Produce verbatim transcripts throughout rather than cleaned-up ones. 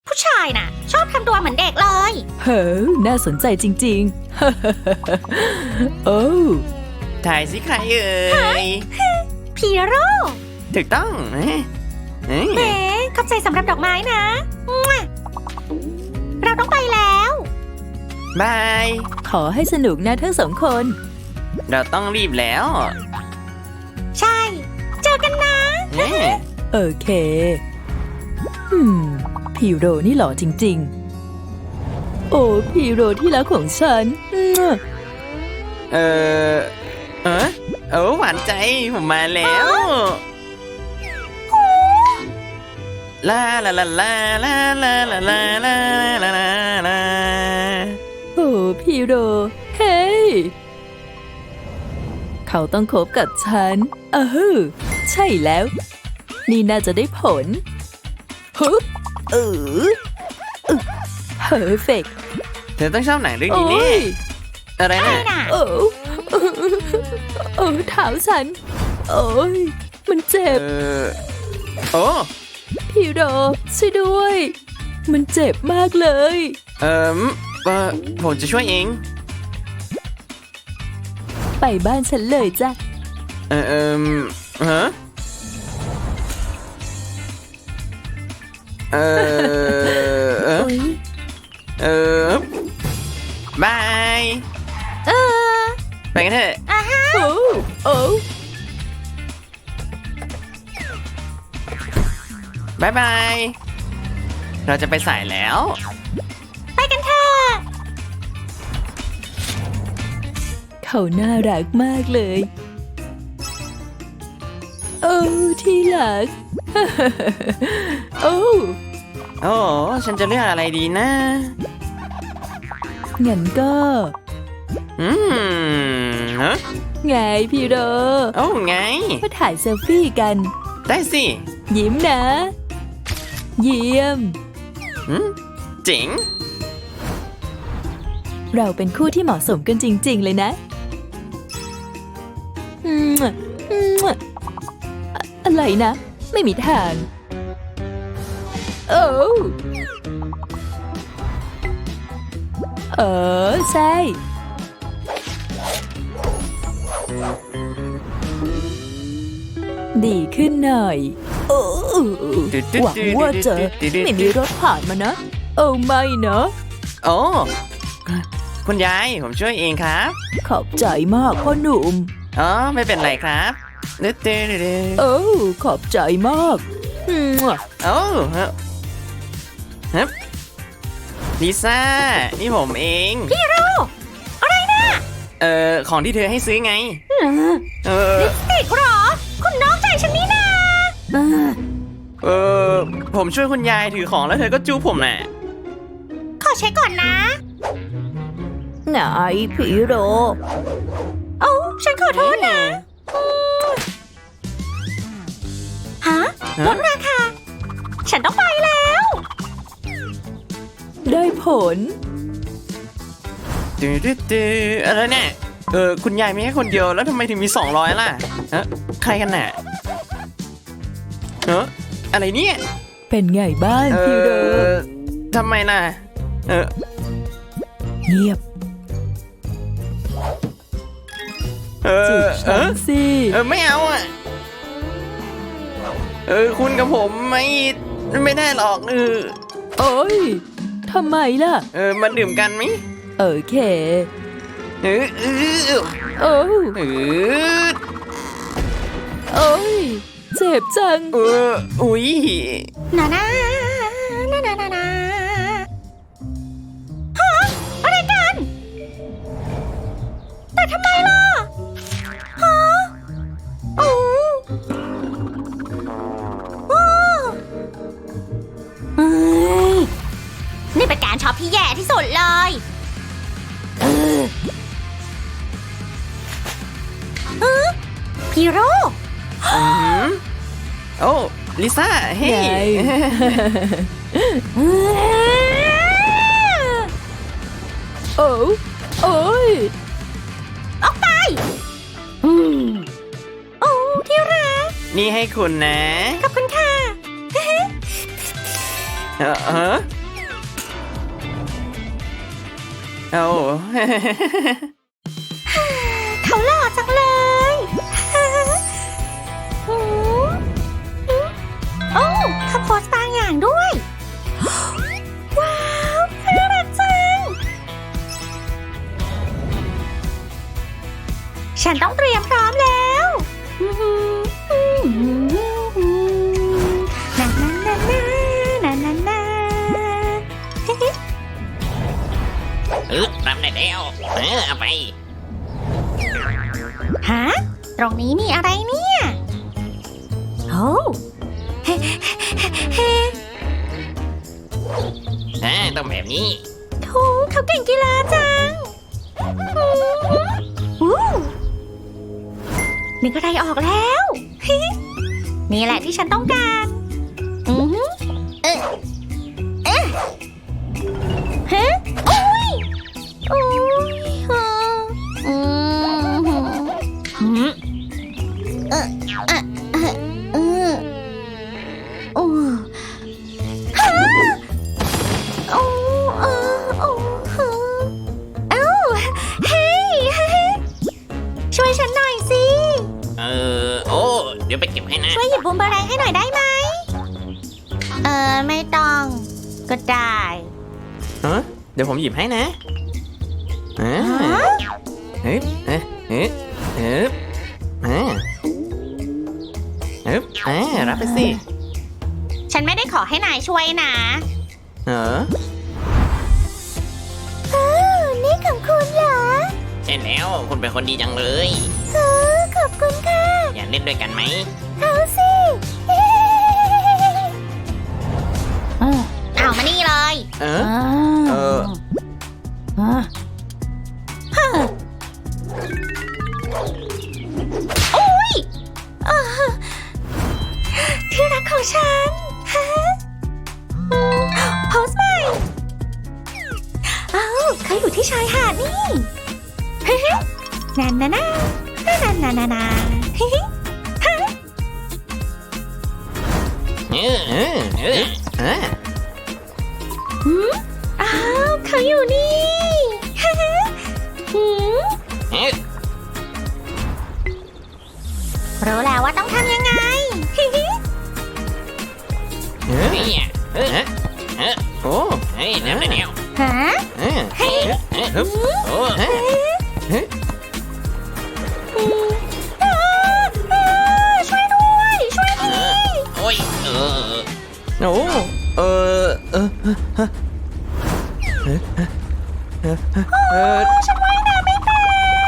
ผู้ชายน่ะชอบทำตัวเหมือนเด็กเลยเฮ้อน่าสนใจจริงๆ โอ้ถ่ายสิใครเอ่ยพีโร่ถูกต้องเอ๊ะเอ๊ะแหมขอบใจสำหรับดอกไม้นะมั่วเราต้องไปแล้วบายขอให้สนุกนะทั้งสองคนเราต้องรีบแล้วใช่ เจอกันนะเอ๊ะโอเคอืมพีโรนี่หล่อจริงๆ โอ้พีโรที่รักของฉันมั่วเออเออโอ้หวานใจผมมาแล้วลาลาลาลาลาลาลาลาลาลาลาโอ้พีโรเฮ้ยเขาต้องคบกับฉันเออใช่แล้ว นี่น่าจะได้ผลฮึเออเพอร์เฟกเธอต้องชอบหนังเรื่องโอ้นี้นี่ยอะไรอะไรนะน่ะโอ้โอ้เท้าฉัน โอ้ยมันเจ็เอบ อโอ้พีโรช่วยด้วย มันเจ็บมากเลยเออเออผมจะช่วยเองไปบ้านฉันเลยจ้ะเออเออฮะเออเออโอ้ยเออบายเออไปกันเถอะอ่ะฮะโอ้โอ้บายบาย เราจะไปสายแล้วไปกันเถอะเขาน่ารักมากเลย โอ้ที่รัก โอ้โอ้ฉันจะเลือกอะไรดีนะงั้นก็อืมฮะไงพี่โรโอ้ไงมาถ่ายเซลฟี่กันได้สิยิ้มนะ เยี่ยมอืมเจ๋งเราเป็นคู่ที่เหมาะสมกันจริง ๆ เลยนะอืมอืมอะอะไรนะ ไม่มีทาง โอ้เออ ใช่ ดีขึ้นหน่อยโอ้หวังว่าจะไม่มีรถผ่านมานะ โอ้ไม่เนาะโอ้คุณยายผมช่วยเองครับขอบใจมากพ่อหนุ่มอ๋อไม่เป็นไรครับเด้อเด้อเด้อโอ้ขอบใจมากอืมโอ้ฮะฮะลิซ่า นี่ผมเองพี่โร่อะไรนะเอ่อ ของที่เธอให้ซื้อไง เออติดเหรอ คุณน้องใจฉันนี่นาเออ ผมช่วยคุณยายถือของแล้วเธอก็จูบผมน่ะขอเช็คก่อนนะไหนพี่โรโอ้ฉันขอโทษนะฮะลดราคา ฉันต้องไปแล้วได้ผลตื้อตื้อตื้ออะไรเนี่ย เออ คุณยายมีแค่คนเดียวแล้วทำไมถึงมีสองร้อยล่ะฮะใครกันน่ะเอออะไรเนี่ยเป็นไงบ้างเอพี่โรอทำไมล่ะ เออเงียบเอจุอบเอฉันอสิเออ ไม่เอาอ่ะ เออ คุณกับผมไม่ไม่ได้หรอก เออโอ้ยทำไมล่ะเออ มาดื่มกันไหมโอเคเออเออโอ้เออโอ้ยเจ็บจังเออ อุ้ยนานานานานานาฮะอะไรกัน แต่ทำไมล่ะ ฮะโอ้โอ้เฮ้ยนี่เป็นการช็อปที่แย่ที่สุดเลยเออเออพีโร่อืมโอ้ลิซ่า เฮ้ไงยโอ้โอ้ยออกไปอืมโอ้ที่รักนี่ให้คุณนะขอบคุณค่ะเออเออเอาเขาหล่อจังเลยหืมโอ้เขาโพสต์บางอย่างด้วย ว้าวน่ารักจัง ฉันต้องเตรียมพร้อมแล้วนานานานานานานาเออรับได้แล้วเออเอาไปฮะ ตรงนี้มีอะไรเนี่ยโอ้เฮ้เฮ้อ่าต้องแบบนี้โถเขาเก่งกีฬาจังอู้นึกอะไรออกแล้วนี่แหละที่ฉันต้องการอือหือเอ๊ะเอ๊ะฮะโอ้ยโอ้ยฮะอืมหืมเอ๊ะเอ๊ะเอ๊ะเอ๊ะโอ้ฮะโอ้เออโอ้ฮะเอ้าเฮ้ยช่วยฉันหน่อยสิเออโอ้เดี๋ยวไปเก็บให้นะช่วยหยิบบูมเบอแรงให้หน่อยได้ไหม เออไม่ต้อง ก็ได้ฮะเดี๋ยวผมหยิบให้นะอ่าฮะเฮ้ยเฮ้ยเฮ้ยเฮ้ยอ่าเฮ้ยอ่ารับไปสิฉันไม่ได้ขอให้นายช่วยนะเอออ้าวนี่ของคุณเหรอใช่แล้วคุณเป็นคนดีจังเลยเออขอบคุณค่ะอยากเล่นด้วยกันไหมเอาสิเอามานี่เลยเออ เออโอ้ยอ่าที่รักของฉันฮะอืมโพสต์ใหม่อ้าวเขาอยู่ที่ชายหาดนี่เฮ้ยนานานานานานานาเฮ้ยฮะเออเออเออเออหืมอ้าวเขาอยู่นี่ฮะหืมเออรู้แล้วว่าต้องทำยังไงฮิฮิเออเนี่ยเออเอ๊ะเออโอ้เฮ้ยรับได้แล้วฮะเออเออเออฮึบโอ้เฮ้ยเฮ้ยอืมอ้าวอ้าวช่วยด้วย ช่วยทีโอ้ยเออโอ้เออเออเออเออฉันว่ายน้ำไม่เป็น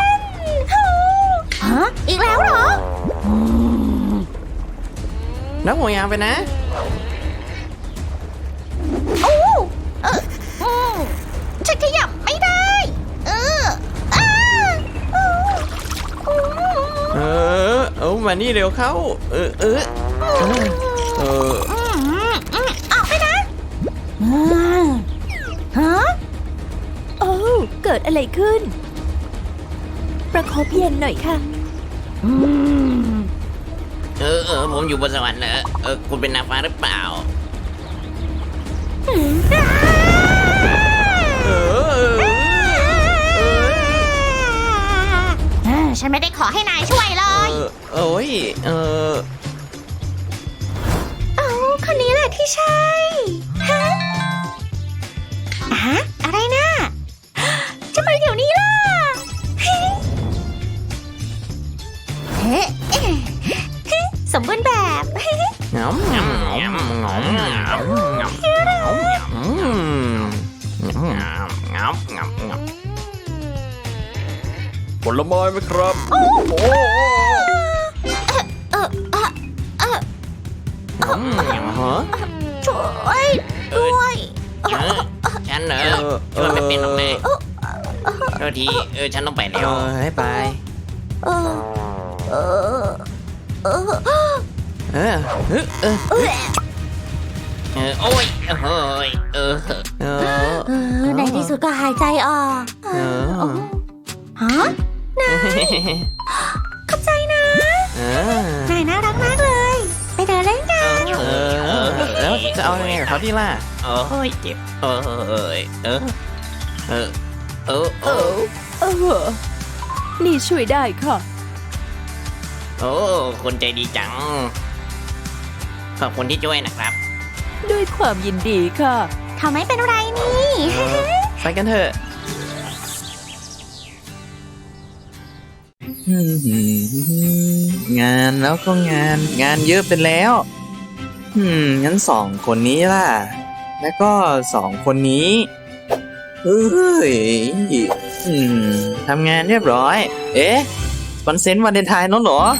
ฮะอีกแล้วเหรออืมนักห่วงยางไปนะโอ้เอออืมฉันขยับไม่ได้ เอออ้าอืมอืมเออเอามานี่เร็วเข้า เออเออเออเอออืมอืมออกไปนะอืมฮะโอ้เกิดอะไรขึ้น ประคบเย็นหน่อยค่ะอืมเออเออผมอยู่บนสวรรค์เหรอเออคุณเป็นนางฟ้าหรือเปล่าอืมเออเออเอออ่าฉันไม่ได้ขอให้นายช่วยเลเอย อโอ้ยเออเอาคนนี้แหละที่ใช่ฮะฮะอะไรนะจะไปเดี๋ยวนี้ล่ะเฮ้เฮ้เอ๊ะเฮ้สมบูรณ์แบบเฮ้งอมงอมงอมงอมงอมงอมงอมอืมงอมงับงับงับผลไม้ไหมครับ โอ้เออเออเอออืมฮะช่วยด้วยเออฉันเหรอช่วยไม่เป็นหรอกนะโทษทีเออฉันต้องไปเอแล้วอให้ไปเออเออเออเออเออเออเออเออโอ้ยเออเฮ้ยเออเออเออในที่สุดก็หายใจออกเออฮะนายขอบใจนะเออนายน่ารักมากเลย ไปเดินเล่นกันเออแล้วจะเอายังไงกับเขาดีล่ะโอ้ยเจ็บเออเออเออเออเออเอเอออเออนี่ช่วยได้ค่ะโอ้คนใจดีจัง ขอบคุณที่ช่วยนะครับด้วยความยินดีค่ะเขาไม่เป็นไรนี่ไปกันเถอะ งานแล้วก็งาน งานเยอะไปแล้ว อืม งั้นสองคนนี้ล่ะ แล้วก็สองคนนี้เฮ้ยอืมทำงานเรียบร้อย เอ๊ะวันเซนต์วันเดนไทน์แล้วเหรอ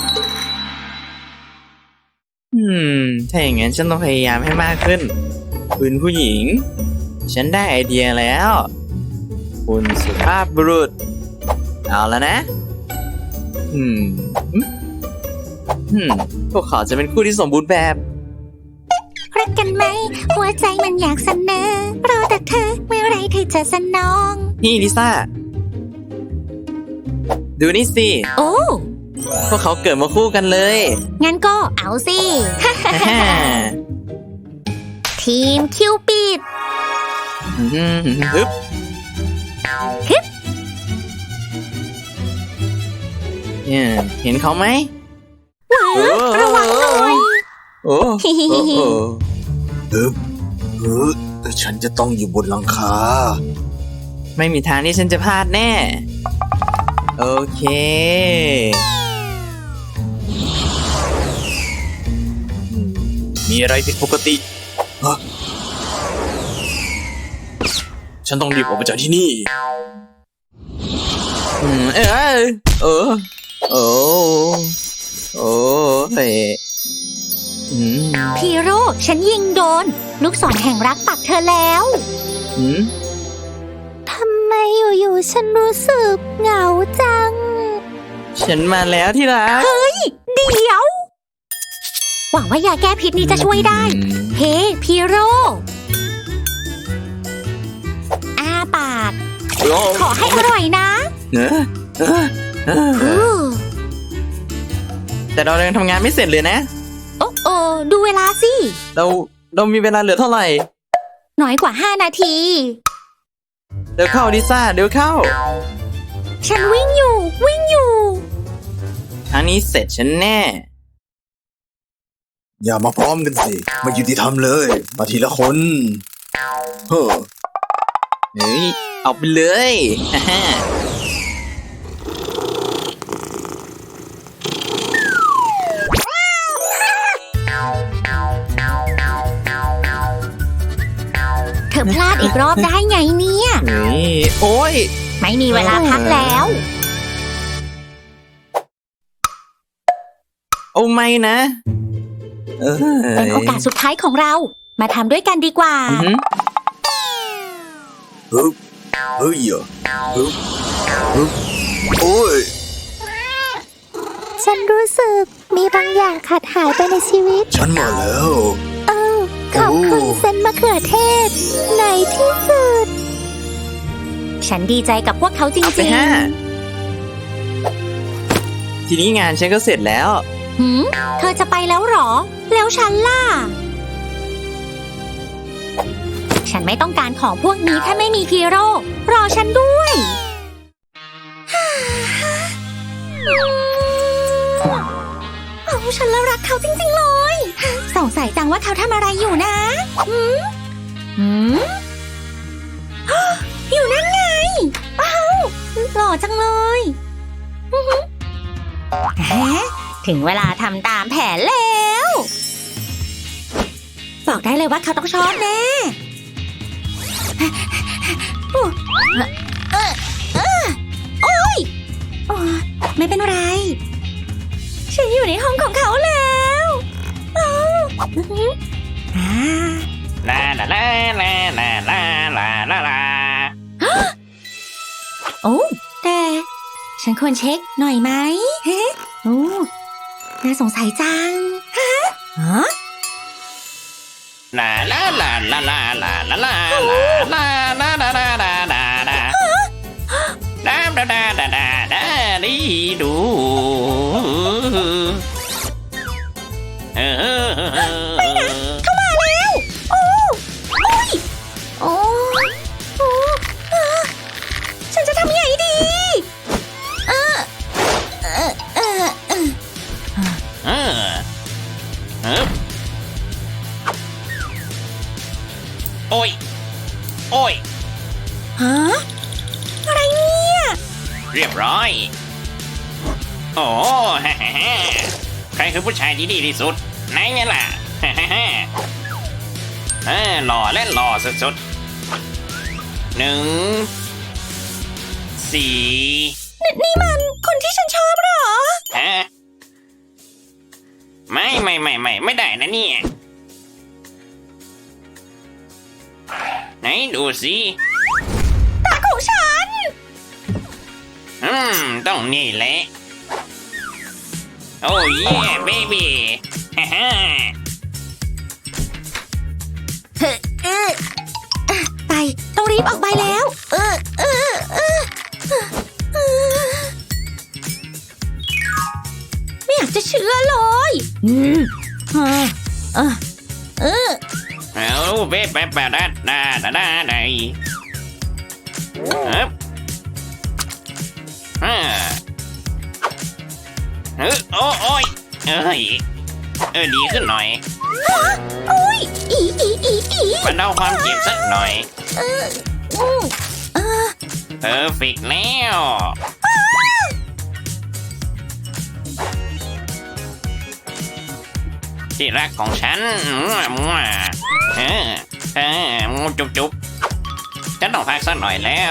อืม ถ้าอย่างงั้นฉันต้องพยายามให้มากขึ้น คุณผู้หญิง ฉันได้ไอเดียแล้ว คุณสุภาพบุรุษ เอาแล้วนะ อืม อืม พวกเขาจะเป็นคู่ที่สมบูรณ์แบบรักกันไหม หัวใจมันอยากเสนอรอแต่เธอเมื่อไรเธอจะสนองนี่ลิซ่า ดูนี่สิโอ้พวกเขาเกิดมาคู่กันเลยงั้นก็เอาสิฮ่าทีมคิวปิดอืมฮึบฮึบเนี่ยเห็นเขาไหมระวังหน่อยโอ้โอ้โอ้ฮึบฮึบแต่ฉันจะต้องอยู่บนหลังคาไม่มีทางที่ฉันจะพลาดแน่ โอเคมีอะไรผิดปกติฮะฉันต้องรีบออกไปจากที่นี่อืม เออเออโอ้โอ้เฮ้ยอืมพีโร่ฉันยิงโดน ลูกศรแห่งรักปักเธอแล้วอืมทำไมอยู่ๆฉันรู้สึกเหงาจังฉันมาแล้วที่รักเดี๋ยว หวังว่ายาแก้พิษนี้จะช่วยได้ เฮ้พีโร่อ้าปาก ขอให้อร่อยนะเนอะเออเอออู้แต่เรายังทำงานไม่เสร็จเลยนะโอ้โอ้ดูเวลาสิเราเรามีเวลาเหลือเท่าไหร่น้อยกว่าห้านาทีเดี๋ยวเข้าลิซ่าเดี๋ยวเข้าฉันวิ่งอยู่ วิ่งอยู่ครั้งนี้เสร็จฉันแน่อย่ามาพร้อมกันสิไม่ยุติธรรมเลย มาทีละคนเฮ้อเฮ้ย เอาไปเลยฮ่าฮ่าเธอพลาดอีกรอบได้ไงเนี่ยเฮ้ย โอ้ยไม่มีเวลาพักแล้วโอ้ไม่นะ เออเป็นโอกาสสุดท้ายของเรา มาทำด้วยกันดีกว่าอือหือฮึบเฮ้ยอ่ะฮึบฮึบโอ้ยฉันรู้สึกมีบางอย่างขาดหายไปในชีวิตฉันมาแล้วเออขอบคุณเส้นมะเขือเทศ ในที่สุด ฉันดีใจกับพวกเขาจเอาไปริงห้า ทีนี้งานฉันก็เสร็จแล้วๆหืมเธอจะไปแล้วเหรอ แล้วฉันล่ะ ฉันไม่ต้องการของพวกนี้ถ้าไม่มีพีโร่รอฉันด้วยโอ้ฉันละรักเขาจริงๆเลย สงสัยจังว่าเขาทำอะไรอยู่นะหืมหืม อยู่นั่นไงว้าวหล่อจังเลยอื้อหือฮะถึงเวลาทำตามแผนแล้ว บอกได้เลยว่าเขาต้องชอบแน่โอ้เออเออโอ้ยโอ้ไม่เป็นไร ฉันอยู่ในห้องของเขาแล้วอ้าวอื้อหืออ่าลาลาลาลาลาลาลาลาลาโอ้แต่ฉันควรเช็คหน่อยไหมเฮ้โอ้น่าสงสัยจังฮะฮะลาลาลาลาลาลาลาลาลาลาลาลาลาลาลาดาดาดาดาดาดาดีดูเออเข้ามาแล้ว โอ้โอ้ยโอ้โอ้อ่าฉันโอ้ยฮะ อะไรเนี่ยเรียบร้อย โอ้ฮ่าฮ่าฮ่าใครคือผู้ชายที่ดีที่สุดไหนไงล่ะฮ่าฮ่าฮ่าเออหล่อและหล่อสุดๆหนึ่งสี่นี่มันคนที่ฉันชอบเหรอฮะไม่ไม่ไม่ไม่ไม่ได้นะเนี่ยไหนดูสิตาของฉันอืมต้องนี่แหละโอ้ยเบบี้ฮ่าฮ่าเฮ้เออไป ต้องรีบออกไปแล้ว เออเออเออเออไม่อยากจะเชื่อเลย อืมเออเออเออเอาเบ๊ะแป๊ะแป๊ะดาดาดาดาดาฮึบอ่าเออโอ้โอ้ยเอ้ยเออดีขึ้นหน่อยโอ้ยอีอีอีอีบรรเทาความเจ็บสักหน่อยเอออืมเออเพอร์เฟกต์แล้วที่รักของฉันมั่วมั่วเออเออมูจุบจุบฉันต้องพักสักหน่อยแล้ว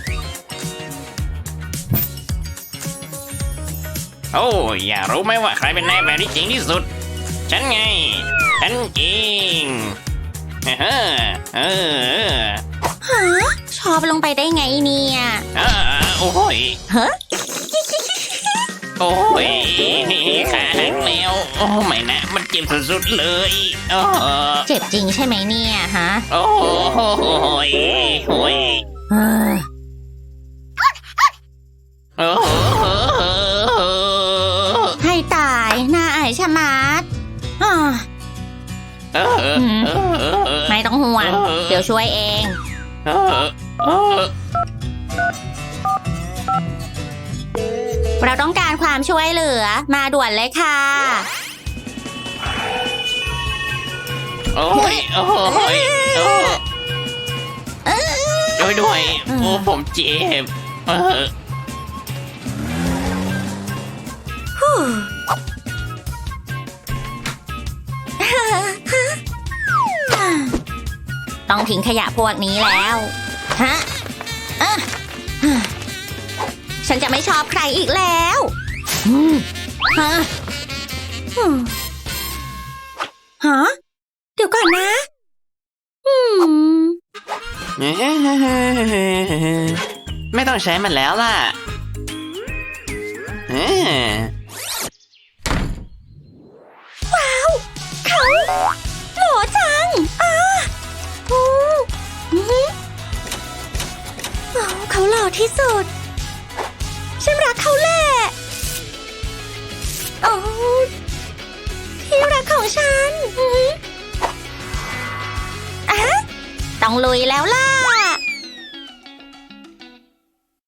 โอ้ยอยากรู้ไหมว่าใครเป็นนายแบบที่จริงที่สุด ฉันไง ฉันจริงเออเออฮะชอบลงไปได้ไงเนี่ยเออโอ้ยฮะโอ้ยขาหักแล้วโอ้ไม่นะ มันเจ็บสุดๆเลยโอ้เจ็บจริงใช่ไหมเนี่ยฮะโอ้ยโอ้ยเออโอ้ให้ตายน่าอายชะมัดอ่าเออไม่ต้องห่วง เดี๋ยวช่วยเองเออเออเราต้องการความช่วยเหลือมาด่วนเลยค่ะโอ้ยโอ้ยโอ้ช่วยด้วยโอ้ผมเจ็บเออต้องทิ้งขยะพวกนี้แล้ว ฮะอ่ะฉันจะไม่ชอบใครอีกแล้วอืมฮะอืมฮะ เดี๋ยวก่อนนะ อืมไม่ต้องใช้มันแล้วล่ะเออเขาหล่อจังอ่าโอ้อื้อหือโอ้เขาหล่อที่สุด ฉันรักเขาแหละโอ้ที่รักของฉันอื้อหืออ่ะต้องลุยแล้วล่ะ